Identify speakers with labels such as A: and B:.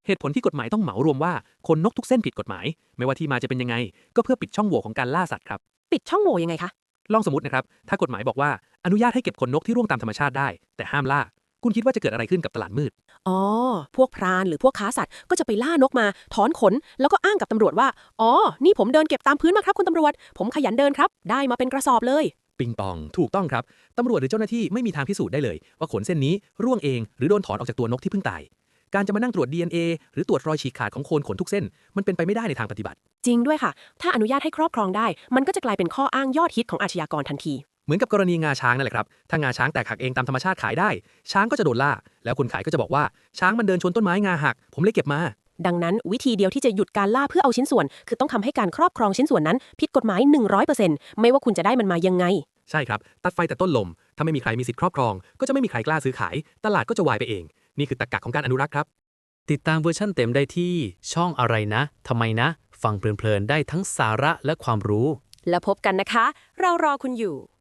A: เหตุผลที่กฎหมายต้องเหมารวมว่าคนนกทุกเส้นผิดกฎหมายไม่ว่าที่มาจะเป็นยังไงก็เพื่อปิดช่องโหว่ของการล่าสัตว์ครับ
B: ปิดช่องโหว่ยังไงคะ
A: ลองสมมตินะครับถ้ากฎหมายบอกว่าอนุญาตให้เก็บขนนกที่ร่วงตามธรรมชาติได้แต่ห้ามล่าคุณคิดว่าจะเกิดอะไรขึ้นกับตลาดมืด
B: อ๋อพวกพรานหรือพวกค้าสัตว์ก็จะไปล่านกมาถอนขนแล้วก็อ้างกับตำรวจว่าอ๋อนี่ผมเดินเก็บตามพื้นมาครับคุณตำรวจผมขยันเดินครับได้มาเป็นกระสอบเลย
A: ปิงปองถูกต้องครับตำรวจหรือเจ้าหน้าที่ไม่มีทางพิสูจน์ได้เลยว่าขนเส้นนี้ร่วงเองหรือโดนถอนออกจากตัวนกที่เพิ่งตายการจะมานั่งตรวจ DNA หรือตรวจรอยฉีกขาดของโคนขนทุกเส้นมันเป็นไปไม่ได้ในทางปฏิบัติ
B: จริงด้วยค่ะถ้าอนุญาตให้ครอบครองได้มันก็จะกลายเป็นข้ออ้างยอดฮิตของอาชญากรทันที
A: เหมือนกับกรณีงาช้างนั่นแหละครับถ้างาช้างแตกหักเองตามธรรมชาติขายได้ช้างก็จะโดนล่าแล้วคนขายก็จะบอกว่าช้างมันเดินชนต้นไม้งาหักผมเลยเก็บมา
B: ดังนั้นวิธีเดียวที่จะหยุดการล่าเพื่อเอาชิ้นส่วนคือต้องทำให้การครอบครองชิ้นส่วนนั้นผิดกฎหมาย 100% ไม่ว่าคุณจะได้มันมายังไง
A: ใช่ครับตัดไฟแต่ต้นลมถ้าไม่มีใครมีสิทธิ์ครอบครองก็จะไม่มีใครกล้าซื้อขายตลาดก็จะวายไปเองนี่คือตรรกะของการอนุรักษ์ครับ
C: ติดตามเวอร์ชั่นเต็มได้ที่ช่องอะไรนะทำไมนะฟังเพลินๆได้ทั้งสาระและความรู้
B: แล้วพบกันนะคะเรารอคุณอยู่